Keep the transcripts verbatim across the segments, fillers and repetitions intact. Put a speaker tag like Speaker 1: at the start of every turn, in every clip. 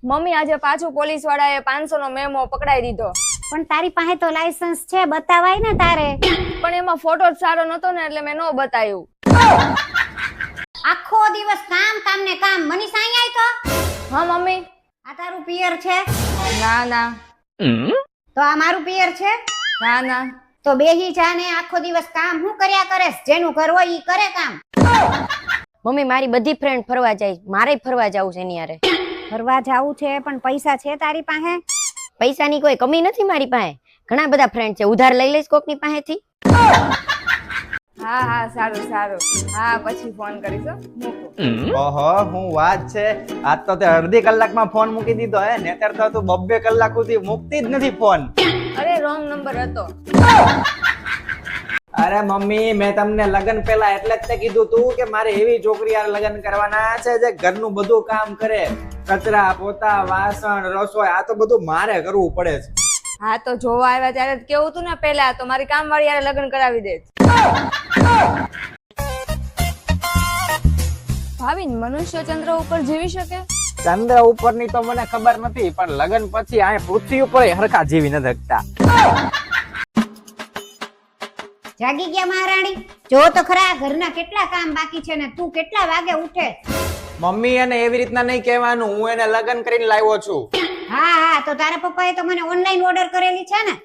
Speaker 1: Mummy આજે પાછું police વાળાએ પાંચસો નો મેમો પકડાઈ દીધો.
Speaker 2: પણ તારી પાસે તો લાયસન્સ છે, બતાવાય ને તારે.
Speaker 1: પણ એમાં ફોટો જ સારો નતો ને એટલે મેં નો બતાવ્યું.
Speaker 2: આખો દિવસ કામ કામ ને કામ. મનીષા અહીંયા આય તો.
Speaker 1: હા મમ્મી.
Speaker 2: આ તારું પિયર છે?
Speaker 1: ના ના.
Speaker 2: તો આ મારું પિયર છે?
Speaker 1: ના ના.
Speaker 2: તો બેહી જા ને આખો દિવસ કામ હું કર્યા કરેસ? જેનું ઘર હોય ઈ કરે કામ.
Speaker 3: મમ્મી મારી બધી ફ્રેન્ડ ફરવા જાય, મારે ફરવા જવું છે એની હારે.
Speaker 2: ફરવા જાવું છે પણ પૈસા છે તારી પાસે?
Speaker 3: પૈસાની કોઈ કમી નથી મારી પાસે, ઘણા બધા ફ્રેન્ડ છે, ઉધાર લઈ લઈશ કોકની પાસેથી.
Speaker 1: હા હા સારું સારું. હા પછી ફોન કરીશ હો. મૂકો.
Speaker 4: ઓહો હું વાત છે, આજ તો તે અડધી કલાકમાં ફોન મૂકી દીધો હે, નેતર તો તું બબ્બે કલાક સુધી મૂકતી જ નથી ફોન.
Speaker 1: અરે રોંગ નંબર હતો.
Speaker 4: અરે મમ્મી મેં તમને લગન પહેલા એટલે જ તે કીધું તું કે મારે એવી છોકરી યાર લગન કરવાના છે જે ઘરનું બધું કામ કરે, કચરા પોતા વાસણ રસોઈ આ તો બધું મારે કરવું પડે છે.
Speaker 1: હા તો જોવા આવ્યા ત્યારે જ કેવું તું ને પેલા, તો મારી કામવાળી યારે લગ્ન કરાવી દે. ભાવિન મનુષ્ય ચંદ્ર ઉપર જીવી શકે?
Speaker 4: ચંદ્ર ઉપરની તો મને ખબર નથી, પણ લગન પછી આ પૃથ્વી ઉપર હરખા જીવી નથી શકતા.
Speaker 2: જાગી ગયા મહારાણી? જો તો ખરા ઘરના કેટલા કામ બાકી છે ને તું કેટલા વાગે ઉઠે?
Speaker 4: મમ્મી એને એવી રીતના નહીં કહેવાનું, હું એને લગન કરીને લાવ્યો છું.
Speaker 2: હા હા તો તારા પપ્પાએ તો મને ઓનલાઈન ઓર્ડર કરેલી છે ને?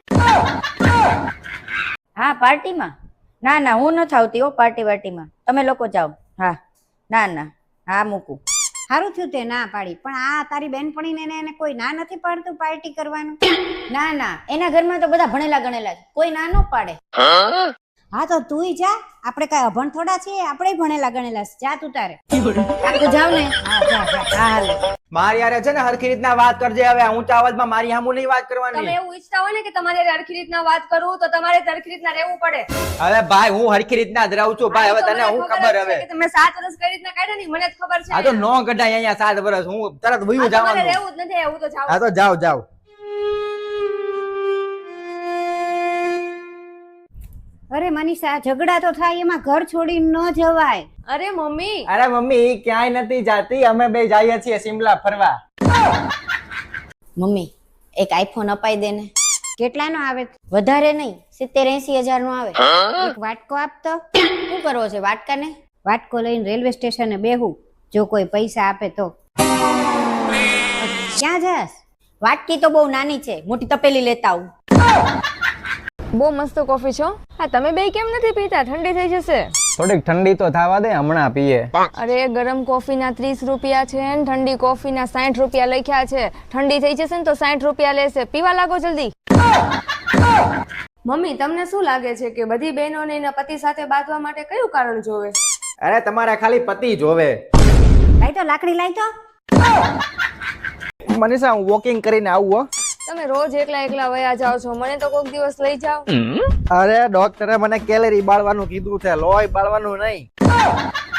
Speaker 3: હા પાર્ટીમાં? ના ના હું નથી આવતી હો પાર્ટી વાર્ટીમાં, તમે લોકો જાઓ. હા ના ના હા મૂકું.
Speaker 2: સારું થયું તે ના પાડી, પણ આ તારી બેનપણીને એને કોઈ ના નથી પાડતું પાર્ટી કરવાનું?
Speaker 3: ના ના એના ઘરમાં તો બધા ભણેલા ગણેલા છે, કોઈ ના ન પાડે.
Speaker 2: હા તો તુંય જા, આપણે કઈ અભણ થોડા છીએ, આપણે ભણેલા ગણેલા છે. જા તું તારે.
Speaker 3: તું જાવ ને.
Speaker 2: હા જા જા. હા હાલે.
Speaker 4: મારી યારે છે ને હરખી રીતના વાત કરજે, હવે ઊંચા અવાજમાં મારી સામું નહીં વાત
Speaker 1: તમે
Speaker 4: કરવાની.
Speaker 1: એવું ઈચ્છતા હોય ને કે તમારે હરખી રીતના વાત કરું તો તમારે હરખી રીતના રહેવું પડે.
Speaker 4: હવે ભાઈ હું હરખી રીતના જ રહું છું ભાઈ, હવે તને હું ખબર હવે.
Speaker 1: કે તમે સાત વર્ષ કઈ રીતના કાઢ્યા ને મને જ ખબર છે.
Speaker 4: આ તો નો કઢાય અહીંયા સાત વર્ષ, હું તરત વયું
Speaker 1: તમારે
Speaker 4: જવાનું.
Speaker 1: રહેવું જ નથી, હું તો જાઉં.
Speaker 4: હા તો જાવ જાવ.
Speaker 2: અરે મનીષા ઝઘડા તો થાય, એમાં ઘર છોડીને ન જવાય.
Speaker 1: અરે મમ્મી.
Speaker 4: અરે મમ્મી ઈ ક્યાંય નથી જાતી, અમે બે જઈએ છીએ સિમલા ફરવા.
Speaker 3: મમ્મી એક આઈફોન અપાઈ દે ને.
Speaker 2: કેટલાનો આવે?
Speaker 3: વધારે નહીં, સિત્તેર એસી હજાર નો આવે.
Speaker 2: એક વાટકો આપતો.
Speaker 3: શું કરવો છે વાટકાને?
Speaker 2: વાટકો લઈને રેલવે સ્ટેશને બેહું, જો કોઈ પૈસા આપે તો. ક્યાં જાસ?
Speaker 3: વાટકી તો બહુ નાની છે, મોટી તપેલી લેતા આવું.
Speaker 1: બહુ મસ્ત કોફી છો. હા તમે બે કેમ નથી પીતા? ઠંડી થઈ જશે.
Speaker 4: થોડીક ઠંડી તો થવા દે, હમણાં પીએ.
Speaker 1: અરે ગરમ કોફી ના ત્રીસ રૂપિયા છે ને ઠંડી કોફી ના સાઠ રૂપિયા લખ્યા છે. ઠંડી થઈ જશે ને તો સાઠ રૂપિયા લેશે, પીવા લાગો જલ્દી. મમ્મી તમને શું લાગે છે કે બધી બહેનોને એના પતિ સાથે બાંધવા માટે કયું કારણ જોવે?
Speaker 4: અરે તમારે ખાલી પતિ જોવે.
Speaker 2: લાઈ તો લાકડી લાઈ તો.
Speaker 4: મનીષા હું વોકિંગ કરીને આવું હો.
Speaker 1: તમે રોજ એકલા એકલા વયા જાઓ છો, મને તો કોઈક દિવસ લઈ જાઓ.
Speaker 4: અરે ડોક્ટરે મને કેલેરી બાળવાનું કીધું છે, લોહી બાળવાનું નહીં.